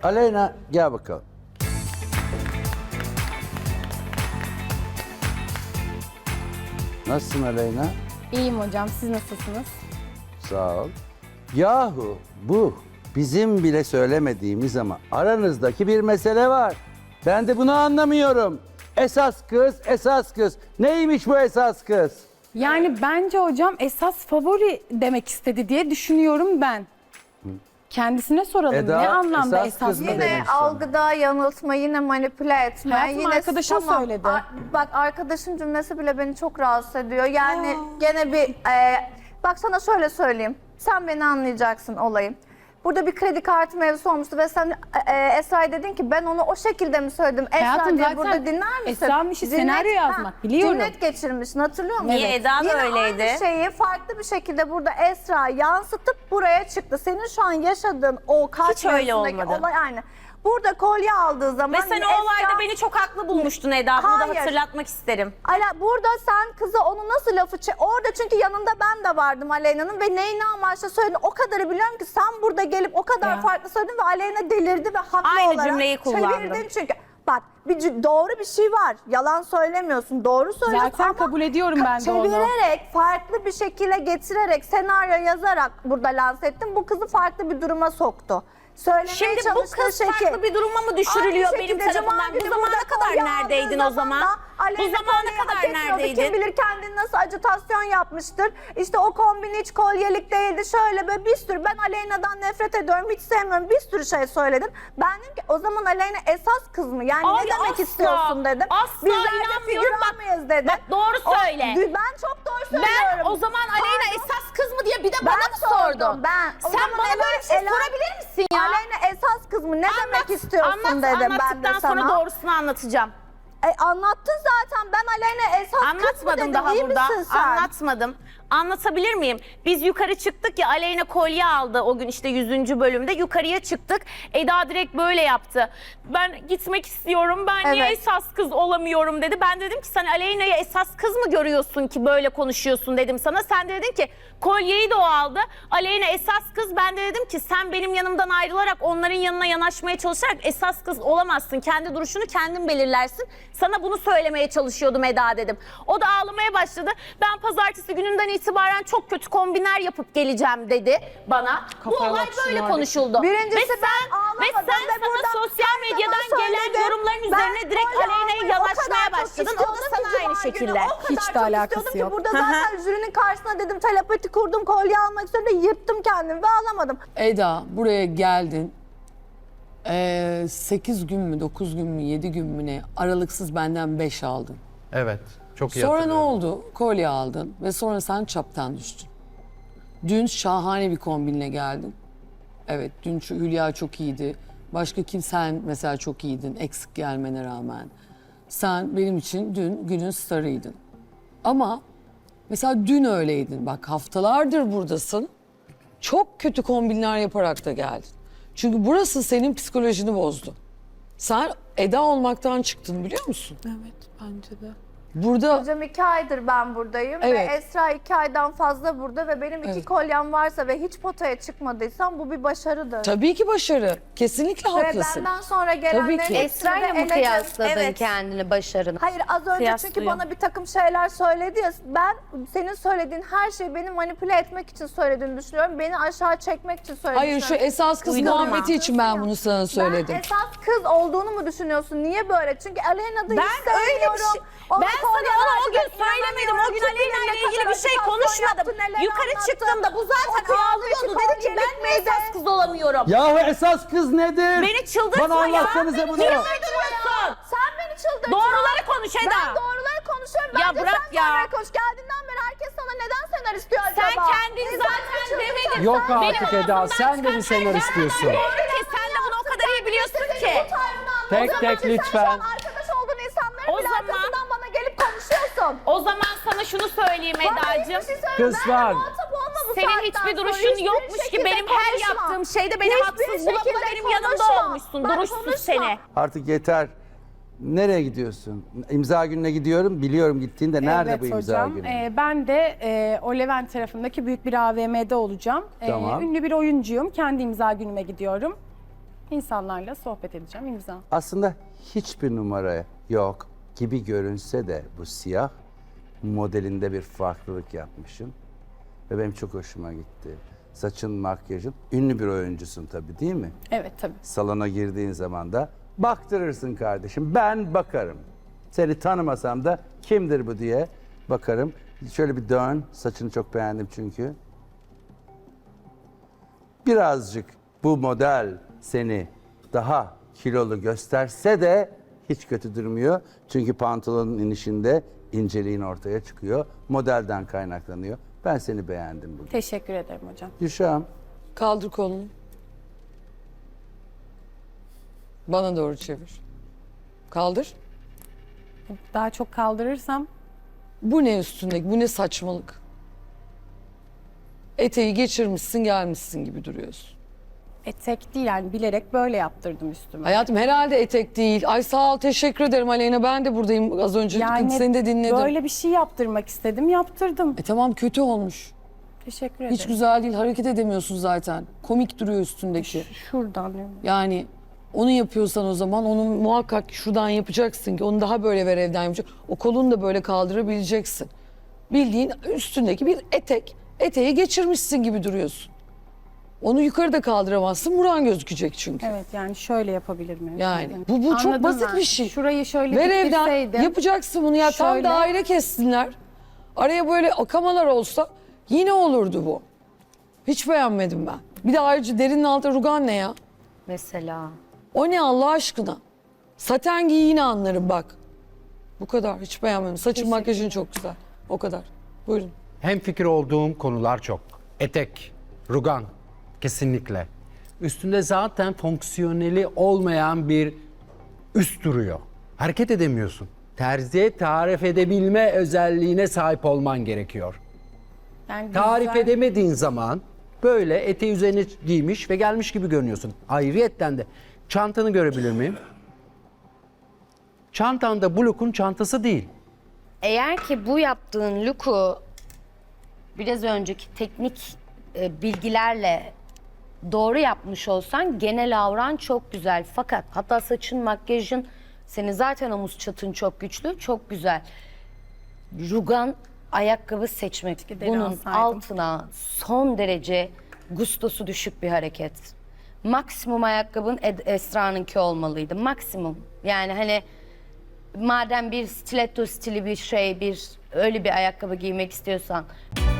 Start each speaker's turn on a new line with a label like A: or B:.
A: Aleyna gel bakalım. Nasılsın Aleyna?
B: İyiyim hocam, siz nasılsınız?
A: Sağ ol. Yahu bu bizim bile söylemediğimiz ama aranızdaki bir mesele var. Ben de bunu anlamıyorum. Esas kız, esas kız. Neymiş bu esas kız?
B: Yani bence hocam esas favori demek istedi diye düşünüyorum ben. Kendisine soralım
A: Eda,
B: ne anlamda
A: esas
B: esas
A: kız mı
B: favori?
A: demek?
C: Yine algıda yanıltma, yine manipüle etme.
B: Hayatım,
C: yine
B: arkadaşın söyledi.
C: Bak arkadaşın cümlesi bile beni çok rahatsız ediyor. Yani gene bir... bak sana şöyle söyleyeyim. Sen beni anlayacaksın olayı. Burada bir kredi kartı mevzusu olmuştu ve sen Esra'ya dedin ki ben onu o şekilde mi söyledim? Esra
B: Hayatım,
C: diye
B: zaten
C: burada dinler misin?
B: Esra'nın işi senaryo yazmak, biliyorum.
C: Cinnet geçirmişsin, hatırlıyor musun?
D: Niye? Eda da
C: Yine
D: öyleydi.
C: aynı şeyi farklı bir şekilde burada Esra yansıtıp buraya çıktı. Senin şu an yaşadığın o kart
D: Hiç öyle
C: mevzusundaki
D: olmadı.
C: olay aynı. Burada kolye aldığı zaman...
D: Ve sen
C: yine
D: o olayda
C: Esra-
D: beni çok haklı bulmuştun Eda. Bunu da
C: Hayır.
D: hatırlatmak isterim.
C: Ala burada sen kıza onu nasıl lafı orada çünkü yanında ben de vardım Aleyna'nın ve neyi ne amaçla söylediğini o kadarı biliyorum ki sen burada gelip o kadar
B: Ya.
C: farklı söyledin ve Aleyna delirdi ve haklı
D: Aynı
C: olarak
D: cümleyi kullandım.
C: çevirdin çünkü. Bak doğru bir şey var. Yalan söylemiyorsun. Doğru söylüyorsun
B: Zaten
C: ama
B: kabul ediyorum ben de onu.
C: çevirerek, farklı bir şekilde getirerek, senaryo yazarak burada lanse ettin. Bu kızı farklı bir duruma soktu. Söylemeye
D: Şimdi bu
C: çalıştığı
D: kız
C: şekil.
D: farklı bir duruma mı düşürülüyor
C: Aynı
D: benim
C: şekilde
D: tarafımdan?
C: Cuma
D: Bu
C: günü
D: zamana
C: burada
D: kadar
C: kolye
D: neredeydin
C: aldığı
D: o zaman?
C: da
D: Bu
C: Aleyna
D: zamana
C: kolyeyi
D: kadar
C: hak etmiyordu.
D: neredeydin?
C: Kim bilir kendini nasıl ajitasyon yapmıştır. İşte o kombin hiç kolyelik değildi. Şöyle böyle bir sürü. Ben Aleyna'dan nefret ediyorum. Hiç sevmiyorum. Bir sürü şey söyledin. Ben dedim ki o zaman Aleyna esas kız mı? Yani
D: Ay,
C: ne demek
D: asla,
C: istiyorsun dedim.
D: asla
C: Bizler de
D: inanmıyorum.
C: figüran
D: Bak,
C: mıyız dedim.
D: bak, doğru söyle.
C: Ben çok doğru söylüyorum.
D: Ben o zaman Aleyna
C: Pardon.
D: esas kız mı diye bir de
C: Ben
D: bana mı sordun?
C: Ben. O
D: Sen
C: zaman
D: bana böyle bir şey
C: Ela-
D: sorabilir misin ya?
C: Aleyna esas kız mı? Ne demek istiyorsun
D: anlat,
C: dedim ben de
D: anlattıktan
C: sana.
D: sonra doğrusunu anlatacağım.
C: Anlattın zaten. Ben Aleyna esas kız mı
D: Anlatmadım
C: dedim.
D: daha
C: İyi
D: burada.
C: misin sen?
D: Anlatmadım. Anlatabilir miyim? Biz yukarı çıktık ya, Aleyna kolye aldı o gün işte 100. bölümde. Yukarıya çıktık. Eda direkt böyle yaptı. Ben gitmek istiyorum. Ben niye
C: Evet.
D: esas kız olamıyorum dedi. Ben dedim ki sen Aleyna'yı esas kız mı görüyorsun ki böyle konuşuyorsun dedim sana. Sen de dedin ki kolyeyi de o aldı. Aleyna esas kız. Ben de dedim ki sen benim yanımdan ayrılarak onların yanına yanaşmaya çalışarak esas kız olamazsın. Kendi duruşunu kendin belirlersin. Sana bunu söylemeye çalışıyordum Eda dedim. O da ağlamaya başladı. Ben pazartesi gününden itibaren çok kötü kombinler yapıp geleceğim dedi bana. Bu
B: Kafaya
D: olay
B: bak
D: böyle
B: şunlar.
D: konuşuldu.
C: Birincisi
D: ve sen,
C: ben ağlamadım
D: ve sen
C: ve burada
D: sana sosyal
C: her
D: medyadan
C: zaman
D: gelen
C: söyledim.
D: yorumların
C: Ben
D: üzerine direkt
C: kolye
D: Aleyna'yı
C: almayı o
D: yanaşmaya
C: kadar çok
D: başladın. O da
C: istiyordum
D: sana
C: ki
D: aynı
C: Cuma günü
D: şekilde.
C: o kadar
B: Hiç de
C: çok
B: alakası
C: istiyordum
B: yok.
C: ki burada zaten jürinin karşısına dedim telepati kurdum, kolye almak istiyorum da yırttım kendimi ve alamadım.
E: Eda buraya geldin. 8 gün mü, 9 gün mü, 7 gün mü ne aralıksız benden 5 aldın.
F: Evet. Çok iyi
E: Sonra ne
F: hatırlıyorum.
E: oldu? Kolye aldın ve sonra sen çaptan düştün. Dün şahane bir kombinle geldin. Evet, dün şu Hülya çok iyiydi. Başka kim, sen mesela çok iyiydin eksik gelmene rağmen. Sen benim için dün günün starıydın. Ama mesela dün öyleydin. Bak haftalardır buradasın. Çok kötü kombinler yaparak da geldin. Çünkü burası senin psikolojini bozdu. Sen Eda olmaktan çıktın biliyor musun?
B: Evet, bence de.
E: Burada
C: Hocam 2 aydır ben buradayım
E: Evet.
C: ve Esra 2 aydan fazla burada ve benim 2
E: Evet.
C: kolyem varsa ve hiç potaya çıkmadıysam bu bir başarıdır.
E: tabii ki başarı. Kesinlikle
C: Ve
E: haklısın.
C: benden sonra
E: Tabii
C: gelenlerin
E: ki.
C: hepsini
G: Esra'yla mı
C: eleceğim.
G: kıyasladın
D: Evet.
G: kendini başarını?
C: Hayır az önce çünkü
D: Kıyaslıyor.
C: bana bir takım şeyler söyledi ya, ben senin söylediğin her şeyi beni manipüle etmek için söylediğini düşünüyorum. Beni aşağı çekmek için söylediğini
E: Hayır şu
C: düşünüyorum.
E: esas kız
D: Uydurma.
E: muhabbeti için ben bunu sana söyledim.
C: Ben esas kız olduğunu mu düşünüyorsun? Niye böyle? Çünkü Aleyna'da hiç
D: Ben öyle bir şey...
C: sevmiyorum. Ona
D: Ben sana
C: kolye
D: onu o
C: verdi,
D: gün
C: ben
D: söylemedim. O gün
C: inanamıyorum.
D: Aleyna ile
C: Kim bilir
D: ilgili
C: ne
D: bir şey
C: kadar
D: konuşmadım.
C: ajitasyon yaptı, neler
D: Yukarı
C: anlattı.
D: çıktığımda bu zaten
C: O kıyafeti
D: ağlıyordu. Dedi ki ben mi
C: kolyelik
D: esas
C: miydi?
D: kız olamıyorum?
A: Yahu esas kız nedir?
D: Beni çıldırtma
A: Bana
D: ya.
A: anlatsanıza bunu.
D: Niye uyduruyorsun?
C: Sen beni çıldırtın.
D: Doğruları konuş Eda.
C: Ben doğruları konuşuyorum.
D: Ya
C: Bence
D: bırak
C: sen
D: ya.
C: doğruları konuş. Geldiğinden beri herkes sana neden senarist diyor acaba?
D: Sen kendin zaten demedin.
F: Yok
D: Sen
F: artık
D: benim
F: Eda,
D: ağzımdan
F: sen de
D: çıkan
F: bir senarist
D: her
F: diyorsun.
D: şeyden Doğru ki sen de bunu o kadar iyi biliyorsun ki.
F: Tek tek
C: Sen şu
F: lütfen.
C: an arkadaş olduğun insanların
D: O
C: bile
D: zaman-
C: arkasından bana gelip konuşuyorsun.
D: O zaman sana şunu söyleyeyim
C: Bana
D: Eda'cığım.
C: hiçbir şey söyleme.
F: Kızlar.
C: Ben muhatap olma bu
D: Senin
C: saatten
D: hiçbir
C: sonra.
D: duruşun
C: Hiçbir
D: yokmuş ki
C: şekilde
D: benim her
C: konuşma.
D: yaptığım şeyde beni
C: Hiçbir
D: haksız bulup da
C: şekilde
D: benim yanımda
C: konuşma.
D: olmuşsun.
C: Bak,
D: Duruşsuz
C: konuşma.
D: seni.
A: Artık yeter. Nereye gidiyorsun? İmza gününe gidiyorum. Biliyorum gittiğinde. Nerede
B: Evet
A: bu imza
B: hocam.
A: günü?
B: Ben de o Levent tarafındaki büyük bir AVM'de olacağım.
A: Tamam.
B: Ünlü bir oyuncuyum. Kendi imza günüme gidiyorum. İnsanlarla sohbet edeceğim, imza.
A: Aslında hiçbir numara yok gibi görünse de bu siyah modelinde bir farklılık yapmışsın. Ve benim çok hoşuma gitti. Saçın, makyajın. Ünlü bir oyuncusun tabii değil mi?
B: Evet tabii.
A: Salona girdiğin zaman da baktırırsın kardeşim. Ben bakarım. Seni tanımasam da kimdir bu diye bakarım. Şöyle bir dön. Saçını çok beğendim çünkü. Birazcık bu model seni daha kilolu gösterse de hiç kötü durmuyor. Çünkü pantolonun inişinde inceliğin ortaya çıkıyor. Modelden kaynaklanıyor. Ben seni beğendim bugün.
B: Teşekkür ederim hocam.
A: Gülşah'ım,
E: Kaldır kolunu. Bana doğru çevir. Kaldır.
B: Daha çok kaldırırsam
E: Bu ne üstündeki? Bu ne saçmalık? Eteği geçirmişsin gelmişsin gibi duruyorsun.
B: etek değil yani bilerek böyle yaptırdım üstüme.
E: Hayatım herhalde etek değil. Ay sağ ol teşekkür ederim Aleyna. Ben de buradayım az önce. Seni de dinledim.
B: Böyle bir şey yaptırmak istedim, yaptırdım.
E: Tamam kötü olmuş.
B: Teşekkür ederim.
E: Hiç güzel değil. Hareket edemiyorsun zaten. Komik duruyor üstündeki.
B: Şuradan.
E: Yani onu yapıyorsan o zaman onu muhakkak şuradan yapacaksın ki onu daha böyle ver evden yapacak. O kolunu da böyle kaldırabileceksin. Bildiğin üstündeki bir etek. Eteği geçirmişsin gibi duruyorsun. Onu yukarıda kaldıramazsın. Buran gözükecek çünkü.
B: Evet yani şöyle yapabilirim.
E: Yani bu çok
B: Anladım
E: basit
B: ben.
E: bir şey.
B: Şurayı şöyle
E: Ver evden
B: diktirseydim.
E: yapacaksın bunu ya. Tam
B: Şöyle.
E: daire kessinler. Araya böyle akamalar olsa yine olurdu bu. Hiç beğenmedim ben. Bir de ayrıca derinin altında rugan ne ya?
G: Mesela.
E: O ne Allah aşkına? Saten giy yine anlarım bak. Bu kadar hiç beğenmedim. Saçın makyajın çok güzel. O kadar. Buyurun.
F: Hemfikir olduğum konular çok. Etek, rugan kesinlikle. Üstünde zaten fonksiyoneli olmayan bir üst duruyor. Hareket edemiyorsun. Terziye tarif edebilme özelliğine sahip olman gerekiyor.
B: Yani
F: Tarif
B: güzel.
F: edemediğin zaman böyle eteği üzerine giymiş ve gelmiş gibi görünüyorsun. Ayrıyetten de çantanı görebilir miyim? Çantanda bu look'un çantası değil.
G: Eğer ki bu yaptığın look'u biraz önceki teknik bilgilerle doğru yapmış olsan genel avran çok güzel. Fakat hatta saçın, makyajın, senin zaten omuz çatın çok güçlü, çok güzel. Rugan ayakkabı seçmek
B: deri
G: bunun
B: alsaydım.
G: altına son derece gustosu düşük bir hareket. Maksimum ayakkabın Esra'nınki olmalıydı. Maksimum. Yani hani madem bir stiletto stili bir şey, bir öyle bir ayakkabı giymek istiyorsan